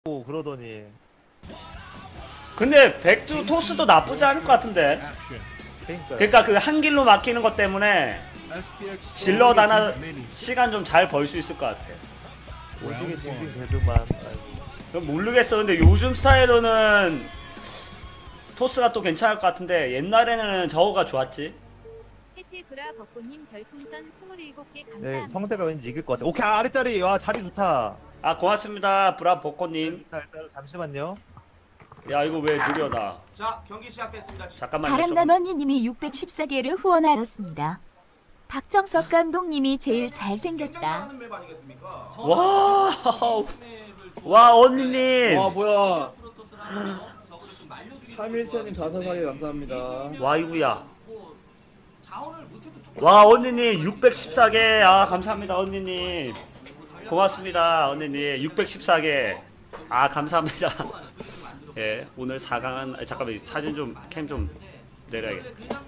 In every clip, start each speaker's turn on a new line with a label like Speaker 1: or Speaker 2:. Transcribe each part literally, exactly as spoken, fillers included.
Speaker 1: 오 그러더니.
Speaker 2: 근데 백두 토스도 나쁘지 않을 것 같은데.
Speaker 1: 그러니까요.
Speaker 2: 그러니까 그 한 길로 막히는 것 때문에 질럿 하나 시간 좀 잘 벌 수 있을 것 같아.
Speaker 1: 오지게 징징 대도만.
Speaker 2: 그럼 모르겠어. 근데 요즘 스타일로는 토스가 또 괜찮을 것 같은데 옛날에는 저거가 좋았지.
Speaker 3: 해태브라 벚꽃님 별풍선 스물일곱 개
Speaker 1: 네,
Speaker 3: 감사합니다.
Speaker 1: 성대가 왠지 이길 것 같아. 오케이, 아랫자리. 와, 자리 좋다.
Speaker 2: 아 고맙습니다 브라 벚꽃님.
Speaker 1: 일단, 일단 잠시만요.
Speaker 2: 야 이거 왜 느려 나.
Speaker 4: 자, 경기 시작됐습니다.
Speaker 2: 잠깐만요.
Speaker 5: 바람나너니님이 육백십사 개를 후원하였습니다. 박정석 감독님이 제일 잘생겼다.
Speaker 4: 굉장히 맵 아니겠습니까?
Speaker 2: 와, 와 언니님.
Speaker 6: 와 뭐야 삼일차님 자사사기 감사합니다.
Speaker 2: 와 이구야. 와 언니님 육백십사 개. 아 감사합니다 언니님. 고맙습니다 언니님. 육백십사 개. 아 감사합니다. 예 오늘 사 강은 아, 잠깐만 사진 좀 캠 좀 내려야겠다.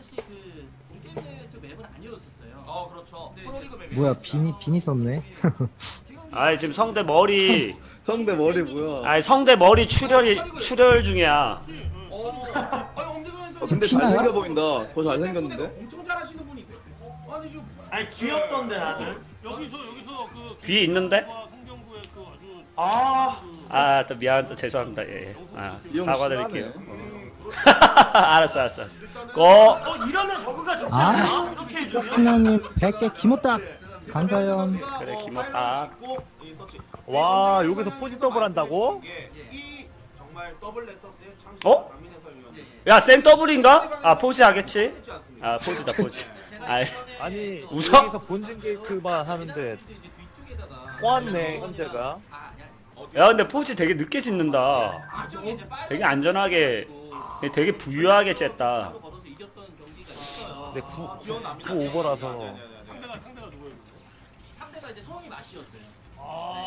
Speaker 4: 어, 그렇죠. 프로리그 맵이
Speaker 7: 뭐야 빈이 빈이 썼네.
Speaker 2: 아 지금 성대 머리.
Speaker 6: 성대 머리 뭐야?
Speaker 2: 아 성대 머리 출혈이 출혈 중이야.
Speaker 4: 어. 아니, 엄지근
Speaker 6: 어,
Speaker 4: 선수
Speaker 6: 근데
Speaker 7: 피나요?
Speaker 6: 잘생겨 보인다. 더 잘생겼는데?
Speaker 4: 엄청 잘하시는 분이세요. 아니, 좀
Speaker 2: 아니 귀엽던데 다들.
Speaker 8: 여기서 여기서 그
Speaker 2: 귀 있는데?
Speaker 8: 성경구의 그 아주
Speaker 2: 아, 아, 또 미안, 또 죄송합니다. 예, 예. 아,
Speaker 6: 이 형
Speaker 2: 사과드릴게요.
Speaker 6: 심하네.
Speaker 2: 알았어, 알았어, 알았어. 고.
Speaker 8: 어 이러면 저거가 좋지
Speaker 7: 아,
Speaker 8: 않나? 어떻게 해주면?
Speaker 7: 석진아님 백 개 기모딱 감사연.
Speaker 2: 그래, 김었다.
Speaker 1: 와, 여기서 포지 더블 한다고?
Speaker 4: 이 정말 더블 넥서스의 창시
Speaker 2: 어?
Speaker 4: 강민혜 설위원님.
Speaker 2: 야, 생 더블인가? 아, 포즈 하겠지? 아, 포즈다, 포즈. 아,
Speaker 1: 아니,
Speaker 2: 웃어?
Speaker 1: 여기서 본진 게이트만 하는데 꼬았네, 현재가.
Speaker 2: 야, 근데 포즈 되게 늦게 짓는다. 되게 안전하게, 되게 부유하게 쨌다.
Speaker 1: 근데 구, 구 오버라서.
Speaker 8: 상대가 상대가 누구예요?
Speaker 9: 상대가 이제 성이 맛이었어요.
Speaker 8: 아,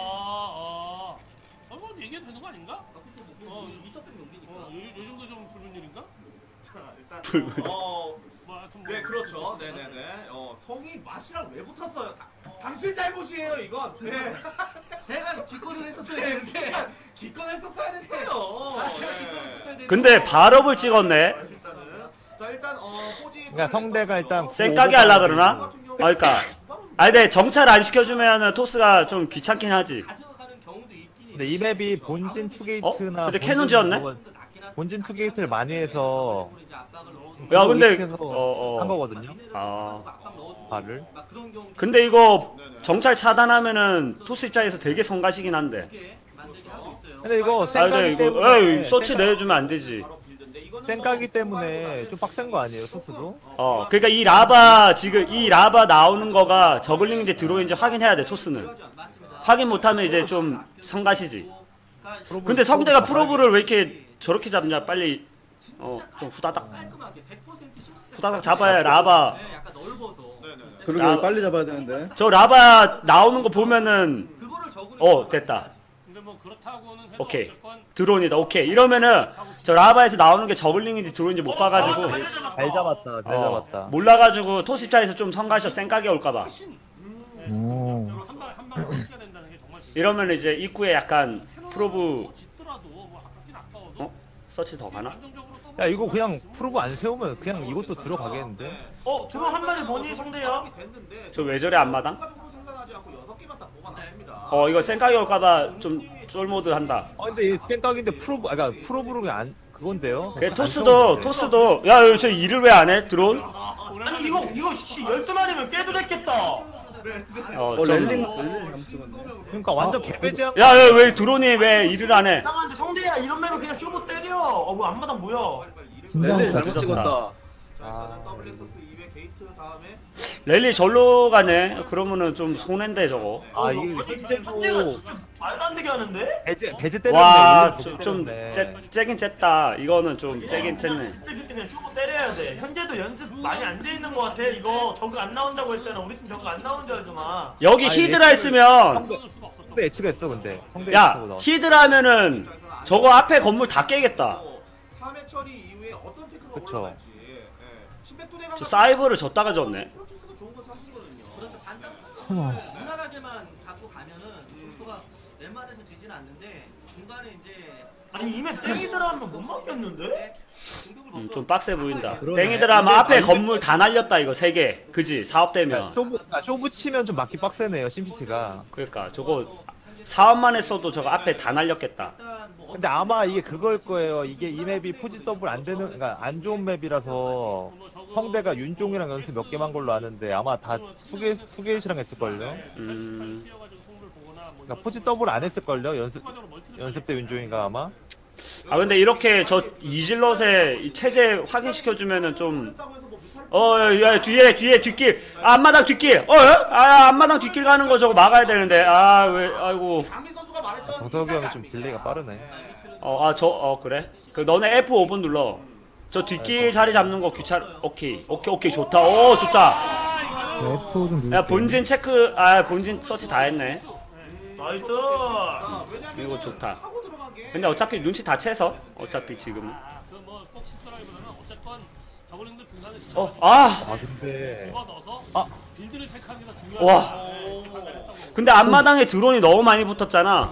Speaker 8: 아, 아, 뭐 얘기해도 되는 거 아닌가?
Speaker 9: 아, 그쵸, 뭐,
Speaker 8: 어,
Speaker 9: 그 이석백 용기니까.
Speaker 8: 어, 요, 요즘도 좀 붉은 일인가?
Speaker 4: 자, 일단 어,
Speaker 8: 뭐 하여튼 뭐.
Speaker 4: 네, 그렇죠. 네, 네, 네. 어, 성이 맛이랑 왜 붙었어요? 다, 당신 잘못이에요, 이건. 네.
Speaker 9: 제가 기권을 했었어요,
Speaker 4: 네,
Speaker 9: 이렇게.
Speaker 4: 그러니까 기권했었어야 됐어요.
Speaker 9: 아, 제가
Speaker 4: 네.
Speaker 9: 기권을 했었어야 되는데.
Speaker 2: 근데 발업을 찍었네.
Speaker 4: 일단은 자, 일단 어, 포지
Speaker 1: 그러니까 성대가 일단
Speaker 2: 쌩까게 하려 그러나? 아, 그러니까. 아, 근데 정찰 안 시켜주면 토스가 좀 귀찮긴 하지.
Speaker 9: 가져가는 경우도 있긴
Speaker 1: 근데 이 맵이 본진 투게이트나.
Speaker 2: 어? 근데 캐논 지었네?
Speaker 1: 본진 투게이트를 많이 해서.
Speaker 2: 야, 근데,
Speaker 1: 의식해서
Speaker 2: 어,
Speaker 1: 한
Speaker 2: 어.
Speaker 1: 거거든요.
Speaker 2: 아.
Speaker 1: 발을.
Speaker 2: 근데 이거 정찰 차단하면은 토스 입장에서 되게 성가시긴 한데.
Speaker 1: 근데 이거
Speaker 2: 아, 근데
Speaker 1: 쌩까기
Speaker 2: 이거,
Speaker 1: 때문에.
Speaker 2: 에이, 서치 내주면 안 되지.
Speaker 1: 쌩까기 때문에 좀 빡센 거 아니에요, 토스도?
Speaker 2: 어, 그러니까 이 라바 지금 이 라바 나오는 거가 저글링인지 들어오는지 확인해야 돼 토스는. 확인 못하면 이제 좀 성가시지. 근데 성대가 프로브를 왜 이렇게 저렇게 잡냐? 빨리 어 좀 후다닥 후다닥 잡아야 라바.
Speaker 9: 약간 넓어서.
Speaker 6: 그러게
Speaker 2: 야.
Speaker 6: 빨리 잡아야 되는데.
Speaker 2: 저 라바 나오는 거 보면은
Speaker 9: 그거를 적으려고
Speaker 2: 어 됐다.
Speaker 8: 근데 뭐 그렇다고는 해도
Speaker 2: 오케이.
Speaker 8: 어쨌건
Speaker 2: 드론이다. 오케이. 이러면은 저 라바에서 나오는 게 저글링인지 드론인지 못 봐가지고
Speaker 1: 잘 잡았다, 잘
Speaker 2: 어,
Speaker 1: 잡았다.
Speaker 2: 몰라가지고 토스 입장에서 좀 성가셔 쌩까게 올까봐.
Speaker 7: 오.
Speaker 8: 한방 한방 설치가 된다는 게 정말 중요해요.
Speaker 2: 이러면 이제 입구에 약간 프로브
Speaker 8: 짓더라도 뭐 아깝긴 아까워도
Speaker 2: 어 서치 더 가나?
Speaker 8: 안정적으로 써볼
Speaker 1: 야, 이거 그냥 프로브 안 세우면 그냥 이것도 들어가겠는데?
Speaker 8: 어 드론 한 마리 보니 성대야?
Speaker 2: 저 왜 저래 앞마당?
Speaker 4: 생산하지 않고 여섯 개만 다 뽑아놨습니다.
Speaker 2: 어 이거 쌩까게 올까봐 좀 쫄모드 한다.
Speaker 1: 아, 근데 이 쌩각인데 프로브, 아, 그러니까 프로브로 그냥 안, 그건데요?
Speaker 2: 그 토스도 토스도 야 저 일을 왜 안 해? 드론?
Speaker 8: 아니 이거 이거 씨 열두 마리면 깨도 됐겠다.
Speaker 6: 어,
Speaker 2: 어좀
Speaker 6: 렐링, 렐링 잘못했네.
Speaker 1: 그러니까 완전 개배제한 거.
Speaker 2: 야야 왜 드론이 왜 일을 안 해?
Speaker 8: 이상한데 성대야 이러면 그냥 쇼부 때려. 어뭐 앞마당 뭐야?
Speaker 6: 렐링
Speaker 7: 긴장.
Speaker 6: 잘못 찍었다.
Speaker 4: 자, 일단은 더블 엑서스 이 회 게이트 다음에
Speaker 2: 랠리 절로 가네. 그러면은 좀 손해인데 저거.
Speaker 1: 아, 이게
Speaker 8: 성대가
Speaker 1: 현재도
Speaker 8: 진짜 말도 안 되게 하는데?
Speaker 1: 배제, 배제 때렸네.
Speaker 2: 와
Speaker 1: 일본
Speaker 2: 좀
Speaker 1: 배제
Speaker 2: 좀
Speaker 1: 때렸네.
Speaker 2: 째긴 쨌다. 이거는 좀 째긴 쨌네.
Speaker 8: 근데 그때 그냥 쇼부 때려야 돼. 현재도 연습 많이 안 돼 있는 것 같아. 이거 저거 안 나온다고 했잖아. 우리 팀 저거 안 나오는 줄 알더만.
Speaker 2: 여기
Speaker 1: 아니,
Speaker 2: 히드라 있으면
Speaker 1: 성대, 성대 예측했어, 근데. 성대
Speaker 2: 야
Speaker 1: 예측하고 나왔어.
Speaker 2: 히드라 하면은 저거 앞에 건물 다 깨겠다.
Speaker 4: 삼 회 처리 이후에 어떤 테크가
Speaker 1: 그쵸.
Speaker 4: 올라갈지. 예. 신백도 대강
Speaker 2: 저 사이버를 줬다가 줬네.
Speaker 4: 프로토스가 좋은 건 사실거든요.
Speaker 9: 그렇죠. 반장
Speaker 7: 어머.
Speaker 9: 무난하게만 갖고 가면은 속도가 웬만해서 지진 않는데 중간에 이제
Speaker 8: 아니 이메 땡이더라 하면 못 맞겠는데?
Speaker 2: 음, 좀 빡세 보인다.
Speaker 1: 그러네.
Speaker 2: 땡이더라 하면
Speaker 1: 근데
Speaker 2: 앞에
Speaker 1: 아니,
Speaker 2: 건물 다 날렸다 이거 세 개. 그지? 사업되면.
Speaker 1: 쇼부 아, 쇼부 치면 좀 맞기 빡세네요 심시티가.
Speaker 2: 그러니까 저거 사업만 했어도 저거 앞에 다 날렸겠다.
Speaker 1: 근데 아마 이게 그걸 거예요. 이게 이 맵이 포지 더블 안 되는, 그러니까 안 좋은 맵이라서 성대가 윤종이랑 연습 몇 개만 걸로 아는데 아마 다 투게 투게이시랑 했을걸요.
Speaker 2: 음.
Speaker 1: 그러니까 포지 더블 안 했을걸요. 연습 연습 때 윤종이가 아마.
Speaker 2: 아 근데 이렇게 저 이질럿의 이 체제 확인시켜주면은 좀 어, 야, 뒤에, 뒤에, 뒷길. 아, 앞마당 뒷길. 어, 아, 앞마당 뒷길 가는 거 저거 막아야 되는데. 아, 왜, 아이고.
Speaker 4: 강민 선수가 말했던
Speaker 1: 정석이 형이 좀 딜레이가 빠르네.
Speaker 2: 어, 아, 저, 어, 그래? 그, 너네 에프 오 번 눌러. 저 뒷길 자리 잡는 거 귀찮, 오케이. 오케이, 오케이, 좋다. 오, 좋다.
Speaker 7: 에프 좀 누를게요.
Speaker 2: 야, 본진 체크, 아, 본진 서치 다 했네.
Speaker 8: 나이스.
Speaker 2: 이거 좋다. 근데 어차피 눈치 다 채서. 어차피 지금. 어, 아!
Speaker 1: 아 근데
Speaker 2: 아. 와. 근데 앞마당에 드론이 너무 많이 붙었잖아.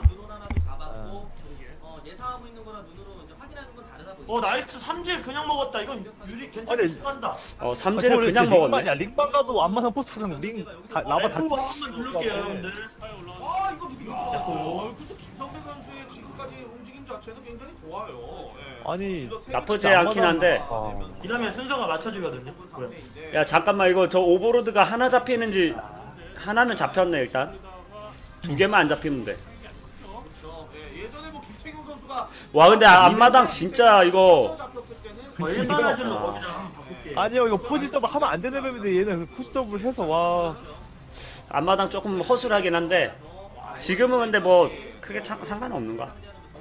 Speaker 8: 어 나이스 삼질 그냥 먹었다. 이건 유리 괜찮게
Speaker 1: 아니,
Speaker 8: 간다.
Speaker 2: 어, 삼진을 그냥 먹었네.
Speaker 1: 야 링만 가도 안마상 포스트 그냥 링 다, 라바 다.
Speaker 8: F 한번 누를게요 여러분들.
Speaker 4: 아 이거 누구 어, 그래서 김성태 선수의 지금까지 움직임 자체는 굉장히 좋아요. 예.
Speaker 1: 아니
Speaker 2: 나쁘지 않긴 한데.
Speaker 1: 어.
Speaker 8: 이러면 순서가 맞춰지거든요. 그래.
Speaker 2: 야, 잠깐만, 이거 저 오버로드가 하나 잡히는지. 하나는 잡혔네, 일단. 두 개만 안 잡히면 돼.
Speaker 4: 그렇죠. 예, 예전에 뭐 김태경 선수가
Speaker 2: 와, 근데 앞마당 진짜 이거.
Speaker 4: 잡혔을 때는
Speaker 8: 어,
Speaker 1: 그치,
Speaker 8: 일반
Speaker 1: 이거-
Speaker 8: 화질로
Speaker 2: 아.
Speaker 8: 거기다 한번 바꿀게.
Speaker 1: 아니요 이거 포지 더블 하면 안 되는 맵인데 얘는 포지 더블 해서 와.
Speaker 2: 앞마당 조금 허술하긴 한데. 지금은 근데 뭐 크게 참, 상관없는 것 같아.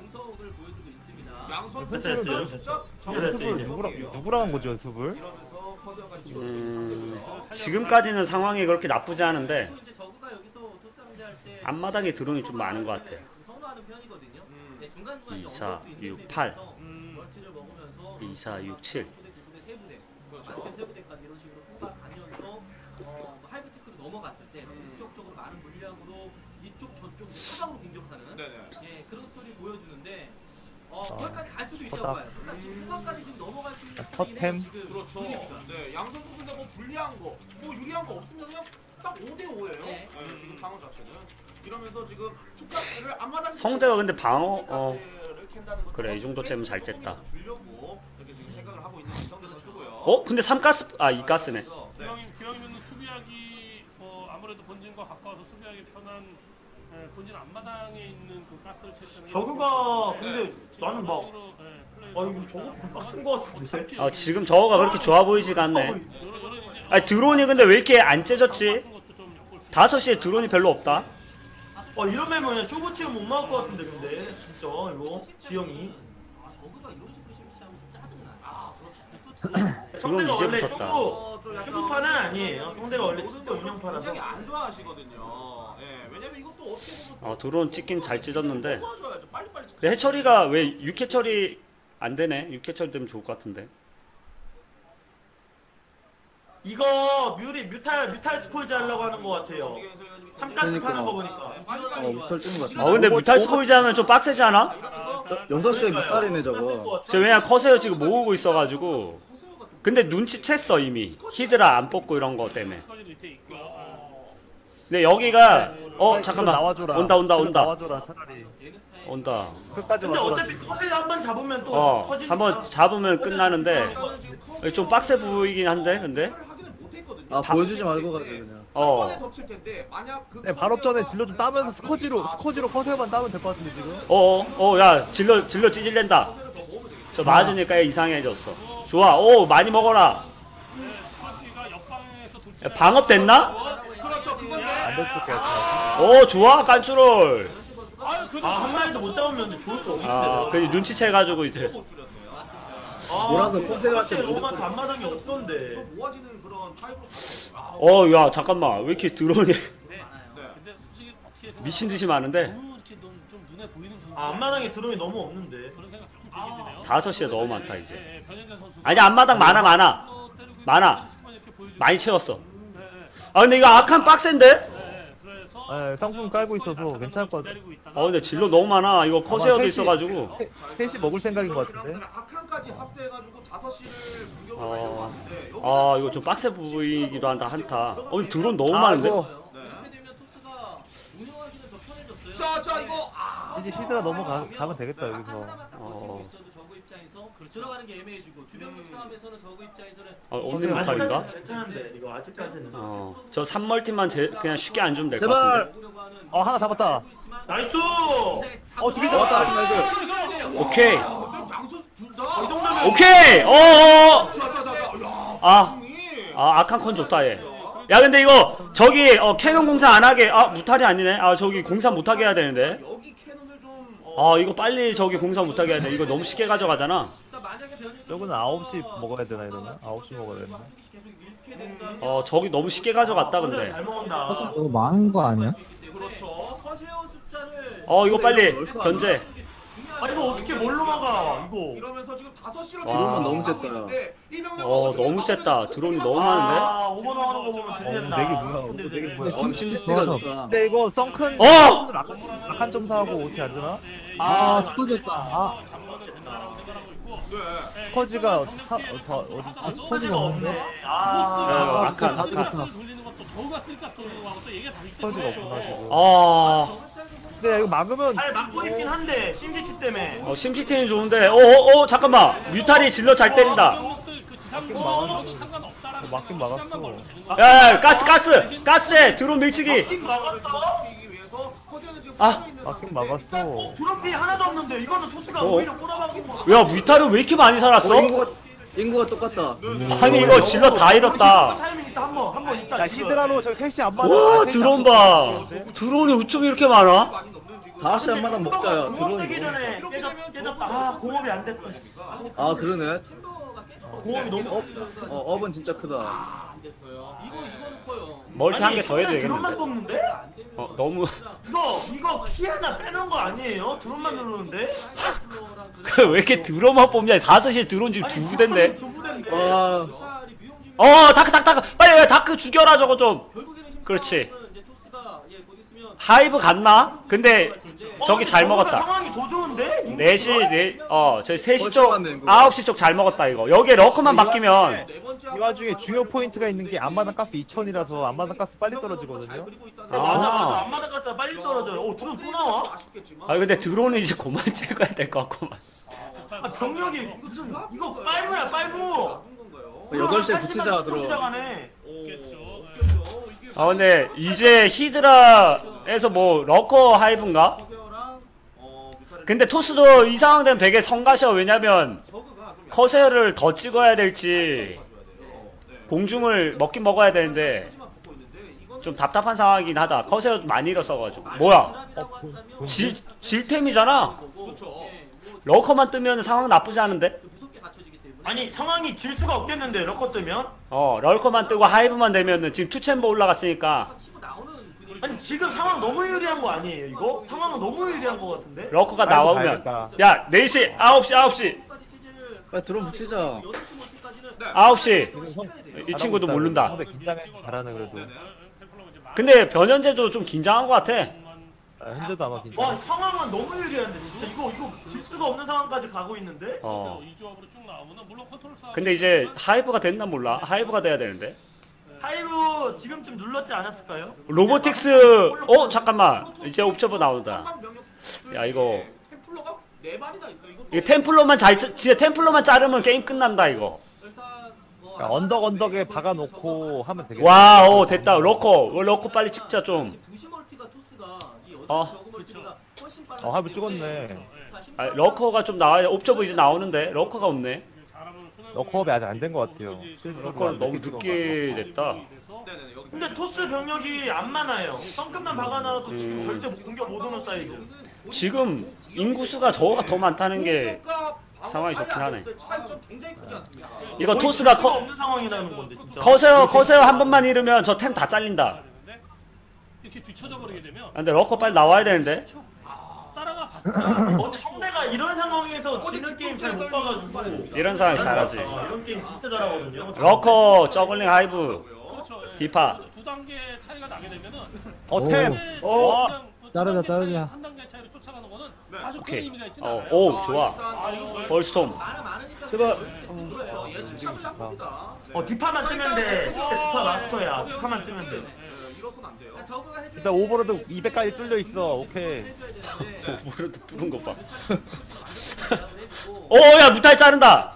Speaker 4: 양 선수
Speaker 8: 됐어요, 됐어요.
Speaker 4: 진짜
Speaker 1: 연습을 누구랑 누구랑 한 거죠 연습을?
Speaker 4: 이러면서 커서까지 찍어
Speaker 2: 음, 지금까지는 상황이 그렇게 나쁘지 않은데 앞마당에 드론이 좀 많은 것 같아. 이, 사, 육, 팔 이, 사, 육, 칠
Speaker 9: 넘어갔을 때 본격적으로 많은 물량으로 이쪽 저쪽 사방으로 공격하는
Speaker 4: 네네.
Speaker 9: 예 그런 스토리 보여주는데 어
Speaker 1: 아,
Speaker 9: 거기까지 갈 수도 있다고
Speaker 1: 컸다.
Speaker 9: 봐요. 그러니까 후반까지 지금 넘어갈 수 있는
Speaker 1: 컷템.
Speaker 9: 지금
Speaker 4: 그렇죠.
Speaker 9: 분위기가.
Speaker 4: 네, 양 선수 근데 뭐 불리한 거, 뭐 유리한 거 없으면 그냥 딱 오 대 오예요.
Speaker 9: 네.
Speaker 4: 네, 지금 상황 자체는. 이러면서 지금 투카스를 앞마당
Speaker 2: 성대가 근데 방어 어
Speaker 4: 가스를 캔다는 것
Speaker 2: 그래, 이 정도쯤은 잘 쨌다.
Speaker 4: 주려고 이렇게 지금 생각을 하고 있는 성대 선수고요.
Speaker 2: 어? 근데 삼 가스 아 이 가스네.
Speaker 4: 네.
Speaker 10: 기왕이, 기왕이면 수비하기 어, 아무래도 본진과 가까워서 수비하기 편한 예, 본진 앞마당에 있는 그 가스를 채취하는 게
Speaker 8: 저그가
Speaker 10: 네.
Speaker 8: 근데 나는 막
Speaker 10: 식으로, 예, 플레이
Speaker 8: 아 이거 저거 빡센 거 같은데.
Speaker 2: 아, 지금 저거가 그렇게 좋아 보이지가 않네.
Speaker 10: 요런- 요런 이제
Speaker 2: 아, 드론이 근데 왜 이렇게 안 째졌지?
Speaker 10: 같은 것도 좀 엿볼 수
Speaker 2: 다섯 시에 드론이 별로 없다.
Speaker 8: 어 이러면 그냥 쇼부 치면 못 막을 것 같은데 근데 진짜 이거 지영이.
Speaker 9: 저그가 이런 식으로 실시하면 좀 짜증나. 아
Speaker 2: 드론
Speaker 8: 성대가
Speaker 2: 이제
Speaker 8: 원래
Speaker 2: 붙었다.
Speaker 8: 쇼부
Speaker 4: 어, 좀 약간
Speaker 8: 쇼부파는 아니에요. 성대가 원래 진짜
Speaker 4: 굉장히
Speaker 8: 운영파라서.
Speaker 4: 안 좋아하시거든요. 예, 왜냐면 이것도 어떻게 보면
Speaker 2: 어, 드론 찍긴 잘 찢었는데.
Speaker 4: 도와줘야죠. 빨리빨리 찍-
Speaker 2: 근데 해처리가 왜 육 회 처리 안 되네? 육 회 처리 되면 좋을 것 같은데.
Speaker 8: 이거 뮤리 뮤탈 뮤탈 스포일즈 하려고 하는 것 같아요. 삼가스
Speaker 6: 그러니까.
Speaker 8: 파는 거 보니까.
Speaker 6: 어, 무탈 찍은 것 같아.
Speaker 2: 어, 근데 뮤탈 스코이즈 하면 좀 빡세지 않아?
Speaker 6: 여섯 시에 무탈이네 저거.
Speaker 2: 저 왜냐 커세어 지금 모으고 있어가지고. 근데 눈치챘어 이미. 히드라 안 뽑고 이런 거 때문에.
Speaker 10: 스커지 밑에 있고 어,
Speaker 2: 근데 여기가 어
Speaker 1: 질럿
Speaker 2: 잠깐만
Speaker 1: 나와줘라.
Speaker 2: 온다 온다
Speaker 1: 질럿
Speaker 2: 온다
Speaker 1: 나와줘라 차라리.
Speaker 2: 온다.
Speaker 1: 끝까지
Speaker 8: 근데
Speaker 1: 와줘라.
Speaker 8: 어차피 컷에 한번 잡으면 또
Speaker 2: 어
Speaker 8: 터지니까.
Speaker 2: 한번 잡으면 끝나는데 여기 좀 빡세 보이긴 한데 근데
Speaker 4: 확인을 못 했거든요.
Speaker 6: 아 보여주지 말고 가자 그냥.
Speaker 2: 어
Speaker 4: 한 번에 덮칠 텐데 만약 그
Speaker 1: 네, 바로 전에 질러 좀 따면서 스커지로 스커지로 커세어만 따면 될 것 같은데 지금.
Speaker 2: 어어 어 야 질러 질러 찌질랜다. 저 맞으니까 얘 이상해졌어. 좋아 오 많이 먹어라.
Speaker 10: 스커지가 옆방에서 도착
Speaker 2: 야, 방업 됐나?
Speaker 4: 그렇죠. 그건데
Speaker 1: 안 됐을 것 같아.
Speaker 2: 오 좋아 깐추롤.
Speaker 10: 아유 그래도
Speaker 8: 아, 한 마리도 못 잡으면 근데 좋을 거 없는데.
Speaker 2: 아 그 눈치채가지고 이제
Speaker 8: 아,
Speaker 6: 몰아서
Speaker 8: 근데
Speaker 6: 컨셉할 때
Speaker 8: 로마
Speaker 6: 무조건-
Speaker 8: 단마당이 없던데.
Speaker 4: 모아지는 그런 파이브 자체. 아,
Speaker 2: 어 야 잠깐만 왜 이렇게 드론이
Speaker 10: 근데 솔직히 어떻게 생각하면
Speaker 2: 미친 듯이 많은데
Speaker 10: 너무 이렇게 좀, 좀 눈에 보이는 선수
Speaker 8: 아, 앞마당에 드론이 너무 없는데.
Speaker 10: 그런 생각 조금 들게 되네요.
Speaker 2: 다섯 시에 너무 많다 이제.
Speaker 10: 예, 예, 변현재 선수
Speaker 2: 아니 앞마당 많아 많아 많아 많이 채웠어. 아 근데 이거 악한 빡센데?
Speaker 10: 네, 그래서
Speaker 1: 예, 상품 깔고 있어서 괜찮을 것 같아.
Speaker 2: 어 근데 질러 너무 많아. 이거 커세어도
Speaker 1: 셋이-
Speaker 2: 있어가지고.
Speaker 1: 셋이 먹을 생각인 것 같은데.
Speaker 4: 아칸까지 합세해가지고 다섯 시를 공격을
Speaker 2: 어.
Speaker 4: 가져갔는데 여기서
Speaker 2: 아 이거 좀 빡세 보이기도 한다 한타. 어 드론 너무 많은데?
Speaker 1: 아이고,
Speaker 9: 이렇게 되면 토스가 운영하기는 더 편해졌어요.
Speaker 4: 자, 자 이거 아
Speaker 1: 이제 히드라 넘어가 가면 되겠다 여기서.
Speaker 9: 하나만 딱
Speaker 2: 어.
Speaker 9: 버티고 있어도 저그 입장에서 들어가는 게 애매해지고 주변국 싸움에서는 저그 입장에서는
Speaker 2: 어 없는 무탈인가?
Speaker 8: 괜찮은데 이거 아직까지는.
Speaker 2: 어. 저 삼 멀티만 제, 그냥 쉽게 안 주면 될 것
Speaker 6: 제발.
Speaker 2: 같은데.
Speaker 9: 먹으려고 하는
Speaker 1: 어 하나 잡았다.
Speaker 8: 나이스.
Speaker 1: 어 두개
Speaker 6: 잡았다.
Speaker 1: 잡았다.
Speaker 6: 나이스.
Speaker 2: 오케이.
Speaker 4: 방수 둘다
Speaker 2: 오케이. 어어.
Speaker 4: 자자자자
Speaker 2: 아. 아 아칸 컨 좋다 얘. 야 근데 이거 저기 어 캐논 공사 안 하게 아 무탈이 아니네. 아 저기 공사 못 하게 해야 되는데.
Speaker 4: 여기 캐논을 좀 어,
Speaker 2: 아 이거 빨리 저기 공사 못 하게 해야 돼. 이거 너무 쉽게 가져가잖아.
Speaker 1: 저거는 아홉 시 먹어야 되나 이러면? 아홉 시 먹어야 되나?
Speaker 2: 어 저기 너무 쉽게 가져갔다 근데.
Speaker 8: 잘 먹는다.
Speaker 7: 너무 많은 거 아니야?
Speaker 4: 그렇죠.
Speaker 9: 커세어 숫자를
Speaker 2: 어 이거 빨리 견제.
Speaker 8: 아 이거 어떻게 뭘로 막아 이거.
Speaker 4: 이러면서 지금 다섯 시로
Speaker 2: 와.
Speaker 6: 너무 쨌다.
Speaker 2: 어 너무 쨌다. 드론이 너무 많은데.
Speaker 8: 아 오버 나가는 거 보면
Speaker 1: 어,
Speaker 8: 진짜.
Speaker 1: 내기 뭐야? 내기 뭐야?
Speaker 6: 어, 심지가 좋다.
Speaker 1: 근데 이거 썬큰
Speaker 2: 어!
Speaker 1: 약한 점 사하고 오티 안 주나?
Speaker 7: 아 스포졌다. 아
Speaker 1: 스커지가 타, 어, 더 어디지? 스커지가 없는데?
Speaker 8: 아.
Speaker 2: 아칸 아칸.
Speaker 10: 돌리는 것도 저우가 쓸까 쓰는 거하고 또 얘기가 다르기
Speaker 1: 스커지가
Speaker 10: 때문에.
Speaker 1: 없구나 지금.
Speaker 2: 아.
Speaker 1: 근데 이거 막으면
Speaker 8: 잘 막고 있긴 한데 심시티 때문에.
Speaker 2: 어 심시티는 좋은데. 어어 어, 잠깐만. 뮤탈이 질러 잘 때린다.
Speaker 10: 그 지상권도 상관없다라는
Speaker 1: 어, 막긴 막았어.
Speaker 10: 시간만 걸면 되는 거야.
Speaker 2: 야, 야 가스 가스 가스에 드론 밀치기.
Speaker 8: 팀 막았다.
Speaker 2: 아.
Speaker 1: 막긴 막았어.
Speaker 8: 드롭이 하나도 없는데 이거는 토스가
Speaker 2: 어.
Speaker 8: 오히려 꼬라박은 거.
Speaker 2: 야 뮤탈은 왜 이렇게 많이 살았어?
Speaker 6: 어, 인구가 인구가 똑같다.
Speaker 2: 아니 이거 질러 다 잃었다.
Speaker 8: 타이밍 있다 한번 한 번 있다.
Speaker 1: 야
Speaker 8: 지금.
Speaker 1: 히드라로 저기 셋이 안 맞아.
Speaker 2: 와
Speaker 1: 셋이
Speaker 2: 드론
Speaker 1: 안
Speaker 2: 봐.
Speaker 1: 맞아.
Speaker 2: 드론이 어쩜 이렇게 많아?
Speaker 6: 다섯 시 한마당 먹자야.
Speaker 8: 공업
Speaker 6: 드론이.
Speaker 8: 되기 전에 깨졌, 깨졌다. 아 공업이 안 됐다.
Speaker 6: 아 그러네.
Speaker 8: 공업이 너무.
Speaker 6: 어 업은 진짜 크다.
Speaker 9: 안 됐어요. 이거 이거는 커요.
Speaker 2: 멀티 한 개 더 해도
Speaker 8: 드론만
Speaker 2: 되겠는데.
Speaker 8: 뽑는데?
Speaker 2: 어 너무.
Speaker 8: 이거 이거 키 하나 빼놓은 거 아니에요? 드론만 누르는데?
Speaker 2: 왜 이렇게 드론만 뽑냐? 다섯 시에 드론 지금 두 부대인데.
Speaker 8: 두 부대인데.
Speaker 6: 와.
Speaker 2: 어 다크 다크 다크 빨리 왜 다크 죽여라 저거 좀. 그렇지. 하이브 갔나? 근데 저기 잘 먹었다.
Speaker 8: 상황이 더 좋은데?
Speaker 2: 네 시 네 어 저희 세 시
Speaker 6: 벌써
Speaker 2: 쪽
Speaker 6: 갔네, 이거.
Speaker 2: 아홉 시 쪽 잘 먹었다 이거. 여기에 러커만 바뀌면
Speaker 1: 이 와중에 중요 포인트가 있는 게 앞마당 가스 이천이라서 앞마당 가스 빨리 떨어지거든요.
Speaker 8: 아, 맞아 맞아.
Speaker 2: 아.
Speaker 8: 앞마당 가스가 빨리 떨어져요. 오 드론 또 나와?
Speaker 2: 아 근데 드론은 이제 그만 찍어야 될 것 같구만.
Speaker 8: 아 병력이 무슨 이거 빨무야 빨무.
Speaker 6: 여덟 시에 붙이자 들어.
Speaker 8: 시작하네.
Speaker 2: 아 근데 이제 히드라에서 뭐 러커 하이브인가? 근데 토스도 이 상황 되면 되게 성가셔. 왜냐면 커세어를 더 찍어야 될지 공중을 먹긴 먹어야 되는데 좀 답답한 상황이긴 하다. 커세어 많이 잃었어가지고. 뭐야? 질, 질템이잖아. 러커만 뜨면 상황 나쁘지 않은데?
Speaker 8: 아니 상황이 질 수가 없겠는데 러커 뜨면?
Speaker 2: 어 럴커만 뜨고 하이브만 되면은 지금 투챔버 올라갔으니까
Speaker 8: 아니 지금 상황 너무 유리한 거 아니에요 이거? 상황은 너무 유리한 거 같은데?
Speaker 2: 러커가
Speaker 1: 하이브
Speaker 2: 나오면
Speaker 1: 가야겠다.
Speaker 2: 야 네 시 아홉 시 아홉 시
Speaker 6: 빨리 드론 붙이자.
Speaker 2: 아홉 시 이 친구도 모른다.
Speaker 1: 상대 긴장해 잘하네 그래도.
Speaker 2: 근데 변현재도 좀 긴장한 것 같아.
Speaker 1: 아, 현재도 아마
Speaker 8: 와
Speaker 1: 긴장.
Speaker 8: 상황은 너무 유리한데 진짜 이거 이거 질 수가 없는 상황까지 가고 있는데?
Speaker 2: 어
Speaker 10: 이 조합으로 쭉 나오면 물론 컨트롤 싸움.
Speaker 2: 근데 이제 하이브가 됐나 몰라. 하이브가 돼야 되는데.
Speaker 8: 하이브 지금쯤 눌렀지 않았을까요?
Speaker 2: 로보틱스 어 잠깐만 이제 옵저버 나온다. 야 이거
Speaker 4: 템플러가 네 마리나 있어. 이거
Speaker 2: 이거 템플러만 잘 짜- 진짜 템플러만 자르면 게임 끝난다 이거.
Speaker 1: 그러니까 언덕 언덕에 박아놓고 하면 되겠다.
Speaker 2: 와, 오 됐다. 러커, 어, 러커 빨리 찍자 좀. 어,
Speaker 1: 어 하이브 찍었네.
Speaker 2: 아, 러커가 좀 나와야. 옵저버 이제 나오는데 러커가 없네.
Speaker 1: 러커업이 아직 안 된 것 같아요.
Speaker 2: 러커는 너무 늦게 됐다.
Speaker 8: 근데 토스 병력이 안 많아요. 성급만 박아놔도 지금 절대 공격 못 오는 사이즈.
Speaker 2: 지금 인구수가 저거가 더 많다는 게 상황이 좋긴 하네. 이거 토스가
Speaker 8: 커
Speaker 2: 커,
Speaker 8: 없는 상황이라는 건데 진짜.
Speaker 2: 커세어 커세어 한 번만 잃으면 저 템 다 잘린다.
Speaker 10: 이렇게 뒤쳐져 버리게 되면
Speaker 2: 아, 근데 러커 빨리 나와야 되는데.
Speaker 10: 따라가 봤자
Speaker 8: 어, 상대가 이런 상황에서 지는 게임 잘 못 봐가지고.
Speaker 2: 이런 상황이 잘하지.
Speaker 8: 어, 이런 게임 진짜 잘하거든요.
Speaker 2: 러커, 저글링 하이브,
Speaker 10: 그렇죠. 예.
Speaker 2: 디파.
Speaker 10: 두 두 단계 차이가 나게 되면은
Speaker 1: 어 템.
Speaker 6: 어.
Speaker 7: 자르자, 자르자.
Speaker 10: 한 단계 차이로 쫓아가는 거는
Speaker 1: 네.
Speaker 10: 아주 큰
Speaker 2: 오케이.
Speaker 10: 의미가 있진
Speaker 2: 어,
Speaker 10: 않아요.
Speaker 2: 오 좋아.
Speaker 10: 아, 이거
Speaker 2: 벌스톰.
Speaker 6: 제발.
Speaker 4: 그렇죠. 예측샷을 한 겁니다. 네.
Speaker 8: 어 뒷판만 뜨면 돼. 진짜 뒷판 마스터야. 뒷판만 뜨면 돼.
Speaker 4: 네, 밀어서는 안 돼요.
Speaker 1: 일단 오버로드 이백까지 뚫려 있어. 오케이.
Speaker 2: 오버로드 뚫은 것 봐. 오야 무탈 자른다.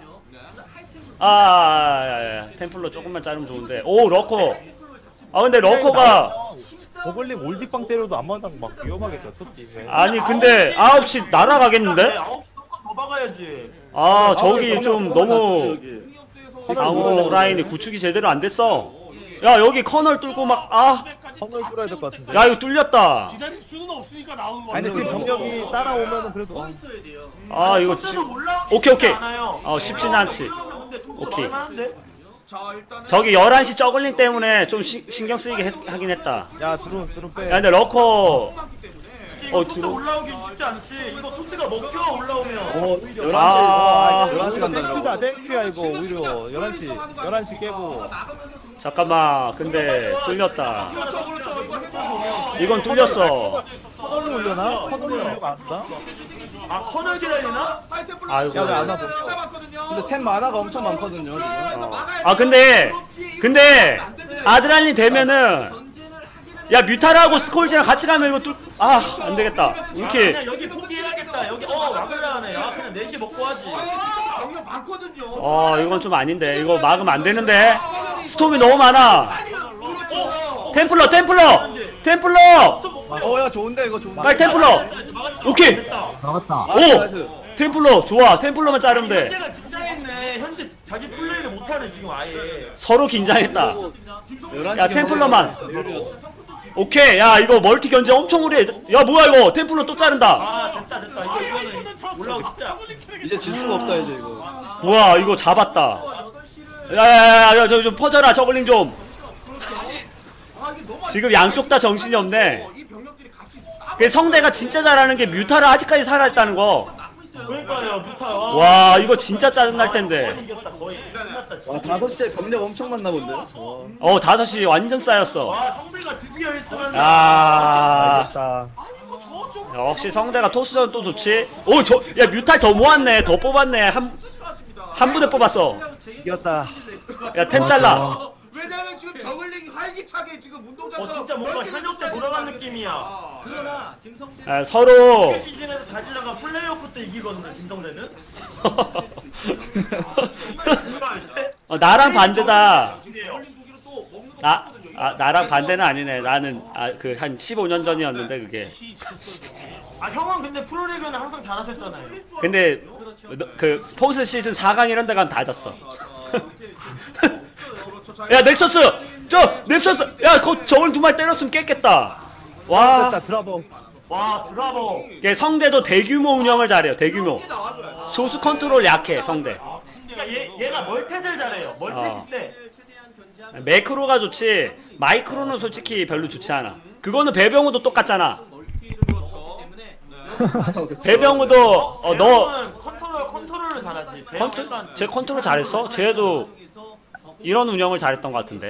Speaker 2: 아, 야, 야, 템플러 조금만 자르면 좋은데. 오 러커. 아 근데 러커가
Speaker 1: 버글링 올디빵 때려도 앞마당 막 위험하겠다. 토스.
Speaker 2: 아니 근데 아홉 시 날아가겠는데?
Speaker 8: 아홉 더 박아야지.
Speaker 2: 아 저기 좀 너무
Speaker 6: 여기.
Speaker 2: 방어 라인이 구축이 제대로 안 됐어. 야 여기 커널 뚫고 막 아.
Speaker 1: 선을 뚫어야 될 것 같은데.
Speaker 2: 야 이거 뚫렸다.
Speaker 10: 기다릴 수는 없으니까 나오는 거
Speaker 1: 아니 지금 병력이 따라오면은 그래도 어.
Speaker 2: 아 이거 지... 오케이 오케이. 어 쉽진 않지. 오케이.
Speaker 4: 자, 일단은
Speaker 2: 저기 열한 시 저글링 때문에 좀 시, 신경 쓰이게 했, 하긴 했다.
Speaker 1: 야 드론 드론 빼.
Speaker 2: 야 근데 러커
Speaker 8: 이거
Speaker 2: 어,
Speaker 8: 토스
Speaker 2: 들어-
Speaker 8: 올라오기 쉽지 않지. 이거 토스가 먹혀 올라오면.
Speaker 6: 어 열한 시.
Speaker 2: 아.
Speaker 6: 열한 시 간다는
Speaker 1: 땡큐다
Speaker 6: 거.
Speaker 1: 땡큐야 이거 오히려 열한 시 열한 시 깨고.
Speaker 2: 잠깐만 근데 뚫렸다.
Speaker 4: 그렇죠, 그렇죠. 이거 해줘.
Speaker 2: 이건 뚫렸어.
Speaker 1: 커널로 올려나? 커널로 올려가 안 나?
Speaker 8: 아 커널 기다리나?
Speaker 4: 하이템플러
Speaker 2: 아이고.
Speaker 1: 야, 왜안 와봐?
Speaker 4: 잡았거든요.
Speaker 6: 근데 템 만화가 엄청 많거든요. 지금.
Speaker 2: 아 근데 근데 아드랄린 되면은 야 뮤타라고 스콜지랑 같이 가면 이거 뚫아 안되겠다. 이렇게
Speaker 8: 그냥 여기 포기해야겠다. 여기 어 막으려네. 야 그냥 네시 먹고 하지.
Speaker 4: 병력 많거든요.
Speaker 2: 어 이건 좀 아닌데 이거 막으면 안되는데 스톰이 너무 많아. 템플러 템플러 템플러
Speaker 6: 어야 좋은데 이거 좋은데.
Speaker 2: 빨리 템플러. 오케이
Speaker 7: 나갔다.
Speaker 6: 아,
Speaker 2: 오
Speaker 6: 나이스.
Speaker 2: 템플러 좋아. 템플러만 자르면 돼.
Speaker 8: 현재가 긴장했네. 현재 자기 플레이를 못하네 지금 아예.
Speaker 2: 서로 긴장했다.
Speaker 6: 열한 시
Speaker 2: 야, 템플러만. 오케이 야 이거 멀티 견제 엄청 오래 야 뭐야 이거 템플러 또 자른다.
Speaker 8: 아 됐다 됐다. 이거 이거는 올라오기 진짜.
Speaker 6: 이제 질 수가 없다 이제 이거.
Speaker 2: 뭐야 이거 잡았다. 야야야야 저 좀 퍼져라 저글링 좀. 지금 양쪽 다 정신이 없네.
Speaker 4: 이 병력들이 같이 싸.
Speaker 2: 그 성대가 진짜 잘하는 게 뮤타를 아직까지 살아있다는 거.
Speaker 8: 그러니까요 뮤타.
Speaker 2: 와 이거 진짜 짜증날 텐데.
Speaker 8: 이겼다 거의. 끝났다 진짜.
Speaker 6: 와 다섯 시에 병력 엄청 많나 본데. 어.
Speaker 2: 어 다섯 시 완전 쌓였어.
Speaker 8: 와 성배가 드디어 했으면.
Speaker 2: 아
Speaker 1: 알겠다.
Speaker 2: 역시 성대가 토스전 또 좋지. 오 저 야 뮤탈 더 모았네. 더 뽑았네. 한 한 부대 뽑았어.
Speaker 1: 이겼다.
Speaker 2: 야 템 잘라.
Speaker 4: 왜냐면 지금 저글링이 활기차게 지금 운동장처럼
Speaker 8: 어 진짜 뭔가
Speaker 4: 넓게
Speaker 8: 현역 때
Speaker 4: 펼쳐져
Speaker 8: 돌아간
Speaker 4: 있다는
Speaker 8: 느낌이야.
Speaker 4: 아,
Speaker 9: 그러나 김성태
Speaker 2: 아, 서로
Speaker 8: 시즌에서 다질라가 플레이오프 때 이기거든요 김성대는.
Speaker 2: 어, 나랑 반대다.
Speaker 4: 저글링 두기로 또 먹는 거
Speaker 2: 나, 아, 나랑 반대는 아니네. 나는 아, 그 한 십오 년 전이었는데 그게.
Speaker 8: 아 형은 근데 프로리그는 항상 잘하셨잖아요.
Speaker 2: 근데 너, 그 스포츠 시즌 사 강 이런 데 가면 다 졌어. 야 넥서스! 저 넥서스! 야 거, 저걸 두 마리 때렸으면 깼겠다. 와.
Speaker 1: 됐다 드라버.
Speaker 8: 와 드라버.
Speaker 2: 이게 성대도 대규모 운영을 잘해요. 대규모. 소수 컨트롤 약해 성대.
Speaker 8: 그러니까 얘 얘가 멀텟을 잘해요. 멀텟이
Speaker 2: 어.
Speaker 8: 세.
Speaker 2: 매크로가 좋지. 마이크로는 솔직히 별로 좋지 않아. 그거는 배병우도 똑같잖아. 배병우도 어, 너
Speaker 8: 형은 컨트롤 컨트롤을 잘하지.
Speaker 2: 컨트 제 컨트롤 잘했어? 쟤도 이런 운영을 잘했던 것 같은데.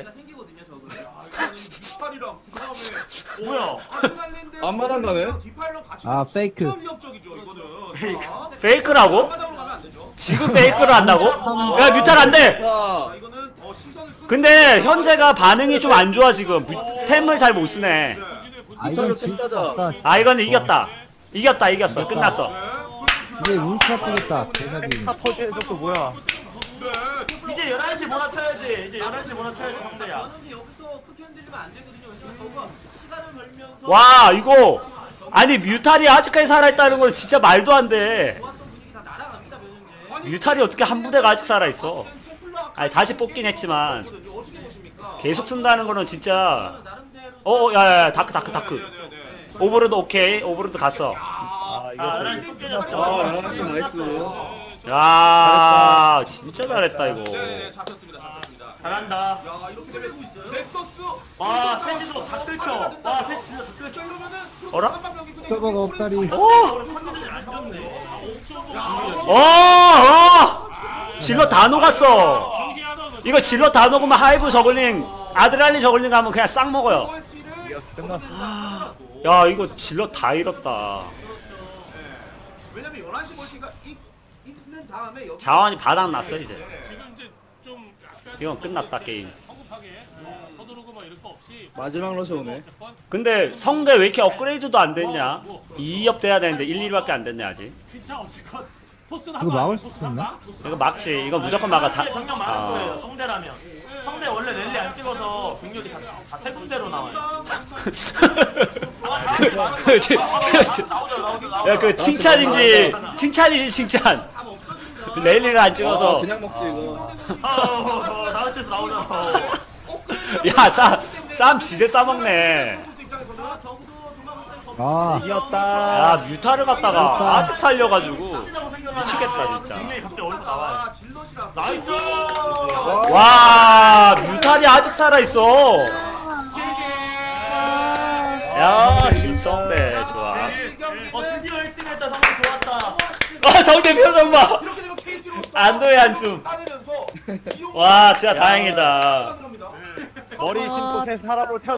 Speaker 4: 디파일이랑 그다음에
Speaker 8: 뭐야?
Speaker 4: 아드날랜드
Speaker 6: 앞마당 가네?
Speaker 4: 디파일랑 같이
Speaker 7: 아, 페이크.
Speaker 4: 진짜 위협적이죠 이거는. 자,
Speaker 2: 페이크라고?
Speaker 4: 앞마당으로 가면 안 되죠.
Speaker 2: 지금 페이크를 한다고? 야 뮤탈 안 돼.
Speaker 6: 야.
Speaker 4: 자, 이거는 어, 시선을 끄.
Speaker 2: 근데 현재가 반응이 좀 안 좋아 지금. 뮤- 템을 잘 못 쓰네.
Speaker 7: 아 이건 진짜 없다.
Speaker 2: 아 이거는 이겼다. 이겼다 이겼어. 끝났어.
Speaker 7: 이제 운수가 뜨겠다. 대사비.
Speaker 1: 타 터지는 속도 뭐야?
Speaker 8: 이제 열한 시 몰아쳐야지. 이제 열한 시 몰아쳐야지 성대야.
Speaker 9: 그런데 여기서 크게 흔들리면 안 되거든요. 그래서 저거 시간을 벌면서
Speaker 2: 와 이거 아니 뮤탈이 아직까지 살아있다는 건 진짜 말도 안 돼.
Speaker 9: 좋았던 분위기 다 날아갑니다. 변현재.
Speaker 2: 뮤탈이 어떻게 한 부대가 아직 살아있어. 아니 다시 뽑긴 했지만
Speaker 4: 어떻게 보십니까?
Speaker 2: 계속 쓴다는 거는 진짜.
Speaker 9: 나름대로
Speaker 2: 어 야야야 다크 다크 다크. 오버로드 오케이. 오버로드 갔어.
Speaker 1: 아 이거
Speaker 8: 아 열한 시 깨졌죠.
Speaker 6: 아 열한 시 나이스.
Speaker 2: 야 진짜 잘했다 이거.
Speaker 4: 네, 잡혔습니다. 잡혔습니다.
Speaker 8: 잘한다.
Speaker 4: 야, 이렇게 되면 넥서스.
Speaker 8: 와 패시도 다 긁혀. 와 패시 진짜 다 긁혀.
Speaker 4: 자, 이러면은
Speaker 2: 어라?
Speaker 4: 한방병이 그냥
Speaker 7: 서버가 없다리.
Speaker 2: 오!
Speaker 8: 컨디션이 안 좋네.
Speaker 2: 어! 어! 질러 다 녹았어. 이거 질러 다 녹으면 하이브 저글링 아드레날린 저글링 가면 그냥 싹 먹어요.
Speaker 1: 이겼어, 끝났어.
Speaker 2: 야 이거 질럿 다 잃었다.
Speaker 4: 왜냐면 열한 시 멀티가 있- 있는 다음에 여기
Speaker 2: 자원이 바닥 났어 이제.
Speaker 10: 지금 이제 좀 약간
Speaker 2: 이건 끝났다 게임.
Speaker 10: 성급하게 어, 서두르고 막 이럴 거 없이
Speaker 6: 마지막 러시 오네.
Speaker 10: 어쨌건
Speaker 2: 근데 성대 왜 이렇게 업그레이드도 안 됐냐? 이 업 돼야 되는데 일, 이밖에 안 됐네 아직.
Speaker 10: 진짜 어쨌건 토스는
Speaker 7: 그거
Speaker 10: 한번
Speaker 7: 막을
Speaker 10: 안
Speaker 7: 수
Speaker 10: 토스는
Speaker 7: 있나?
Speaker 10: 한다?
Speaker 2: 이거 막지. 이거 무조건 막아. 다.
Speaker 8: 병력 많은 거예요.
Speaker 2: 아.
Speaker 8: 성대라면. 성대 원래 랠리 안 찍어서 병력이 다세 군데로 나와요.
Speaker 2: 그렇지. 그렇지. 야 그 칭찬인지 칭찬이지 칭찬. 레일리를 안
Speaker 6: 아,
Speaker 2: 찍어서.
Speaker 6: 그냥 먹지 이거.
Speaker 8: 다음 주에서 나오잖아.
Speaker 2: 야 싸, 쌈 지대 싸먹네.
Speaker 7: 아
Speaker 1: 이겼다.
Speaker 2: 야 뮤타를 갖다가 아직 살려가지고 미치겠다 진짜.
Speaker 8: 병력이 갑자기 어디서 나와요.
Speaker 4: 아, 질럿이라서.
Speaker 8: 나이스!
Speaker 2: 와 뮤탈이 아직 살아있어. 야 김성대 좋아.
Speaker 8: 어 드디어 일 등 했다. 성대 좋았다.
Speaker 2: 아 성대 표정 봐.
Speaker 4: 이렇게 되면 케이티로
Speaker 2: 안도의 한숨.
Speaker 4: 따내면서
Speaker 2: 와 진짜 다행이다.
Speaker 4: 겁니다.
Speaker 1: 머리 심고 새 사람으로 태어.